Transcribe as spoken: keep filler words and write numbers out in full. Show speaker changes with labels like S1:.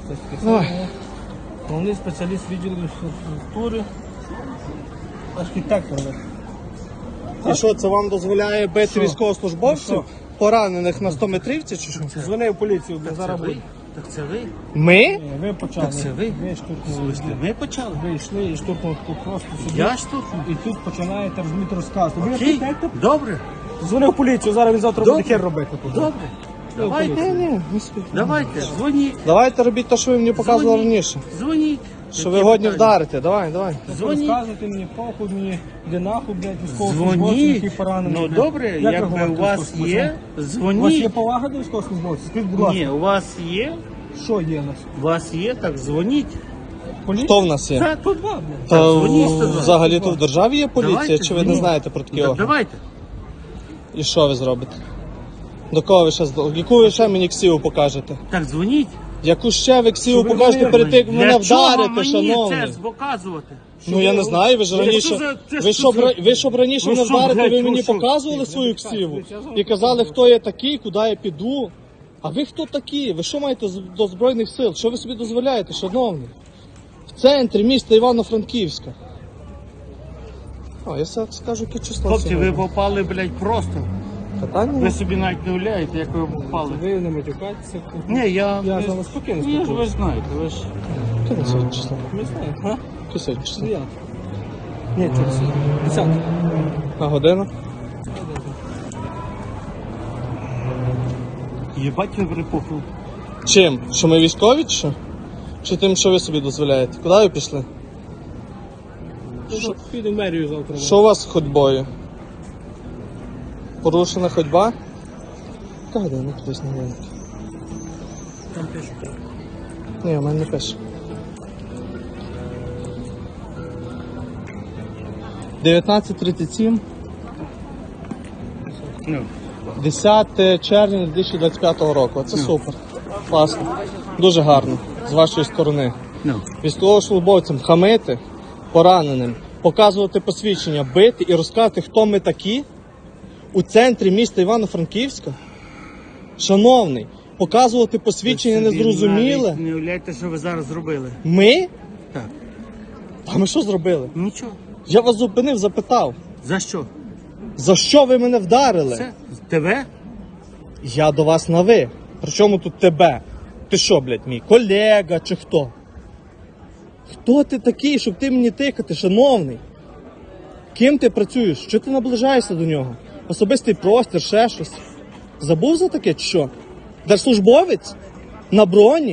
S1: спецспеціальний. Головний спеціаліст відділу інфраструктури. Архітектор.
S2: І що, це вам дозволяє бити
S1: Що?
S2: військовослужбовців,
S1: Що?
S2: поранених на сто метрівці чи що?
S1: Дзвони в поліцію, бо зараз буде.
S3: Так це ви?
S2: Ми?
S1: Ні, Ви почали.
S3: Так це ви?
S1: Ви штурхнули.
S3: Ви почали?
S1: Ви йшли і штурхнули тут просто собі.
S3: Я штурхнув?
S1: І тут починаєте розуміти розказувати. Ви
S3: Окей,
S1: архітектор?
S3: добре,
S1: Дзвони в поліцію, зараз він завтра
S3: Добре.
S1: буде хер робити. тут.
S3: добре. Давайте,
S2: Ні, не спіть.
S3: давайте, дзвоніть,
S2: Давайте робіть те, що ви мені показували
S3: Дзвоніть.
S2: раніше.
S3: дзвоніть.
S2: Що ви
S3: Які
S2: годні
S3: питання?
S2: вдарите, давай, давай.
S3: Дзвоніть.
S1: Розказуйте мені, похуй мені, де нахуй, блядь, військовослужбовців,
S3: Дзвоніть.
S1: які поранені.
S3: Ну
S1: блядь.
S3: добре,
S1: Як ви
S3: якби
S1: говорите
S3: у вас
S1: військовослужбовцям?
S3: є,
S1: У вас є
S3: дзвоніть.
S1: повага до військовослужбовців? Скажіть, будь ласка,
S3: Ні, у вас є,
S1: що є у нас?
S3: у вас є, так дзвоніть.
S1: Поліція?
S2: Хто в нас є?
S3: Так,
S1: Сто два, блядь.
S2: Та
S3: дзвоніть сто два.
S2: взагалі то в державі є поліція,
S3: Давайте,
S2: чи ви не
S3: дзвоніть.
S2: знаєте про такі
S3: Так,
S2: органи?
S3: давайте.
S2: І що ви зробите? До кого ви ще з- яку ви ще мені ксіву покажете?
S3: Так, дзвоніть.
S2: Яку ще ви ксіву
S1: Що ви
S2: покажете
S1: говорите?
S2: перед тим, як мене
S3: Для чого
S2: вдарите,
S3: мені
S2: шановний?
S3: це показувати?
S2: Ну я не знаю, ви ж
S3: Це
S2: раніше.
S3: що за- це
S2: Ви
S3: що
S2: щоб
S3: за-
S2: ра- ви щоб раніше
S3: Ви
S2: мене
S3: що,
S2: вдарите,
S3: блядь,
S2: ви
S3: ви
S2: мені
S3: що?
S2: показували свою ксіву і казали, хто я такий, куди я піду. А ви хто такі? Ви що маєте з- до Збройних сил? Що ви собі дозволяєте, шановний? В центрі міста Івано-Франківська. О, я все скажу, яке число
S3: Хлопці, ви
S2: сьогодні.
S3: попали, блядь, просто.
S2: Питання?
S3: Ви собі навіть не уявляєте, як ви попали.
S1: Ви не матюкайтеся.
S3: Ні, я...
S1: Я
S3: ви-
S1: з вами спокійно
S3: Ні, ж ви
S1: спілкуюся.
S3: ж знаєте, ви ж...
S2: Яке на сьогодні число?
S1: Не знаю, а?
S2: Яке сьогодні число?
S1: Дев'яте. Ні, через десяте.
S2: На годину?
S3: Єбать ви припухли.
S2: Чим? Що ми військові чи що? Чи тим, що ви собі дозволяєте? Куди ви пішли?
S1: Що? Піду в мерію завтра.
S2: Що у вас з ходьбою? Порушена ходьба? Яка година кудись на годинник?
S1: Там пишуть.
S2: Ні, у мене не пише. дев'ятнадцять тридцять сім,
S3: Ну,
S2: десяте червня дві тисячі двадцять п'ятого року. Це супер. Класно. Дуже гарно. З вашої сторони.
S3: ну.
S2: Військовослужбовцям хамити, пораненим, показувати посвідчення, бити і розказати, хто ми такі у центрі міста Івано-Франківська. Шановний, показувати посвідчення
S3: Ви собі
S2: незрозуміле.
S3: навіть не уявляєте, що ви зараз зробили.
S2: Ми?
S3: Так.
S2: А ми що зробили?
S3: Нічого.
S2: Я вас зупинив, запитав,
S3: За що?
S2: за що ви мене вдарили?
S3: Це? Тебе?
S2: Я до вас на ви. Причому тут тебе? Ти що, блядь, мій колега чи хто? Хто ти такий, щоб ти мені тикати, шановний? Ким ти працюєш? Що ти наближаєшся до нього? Особистий простір, ще щось. Забув за таке чи що? Держслужбовець? На броні?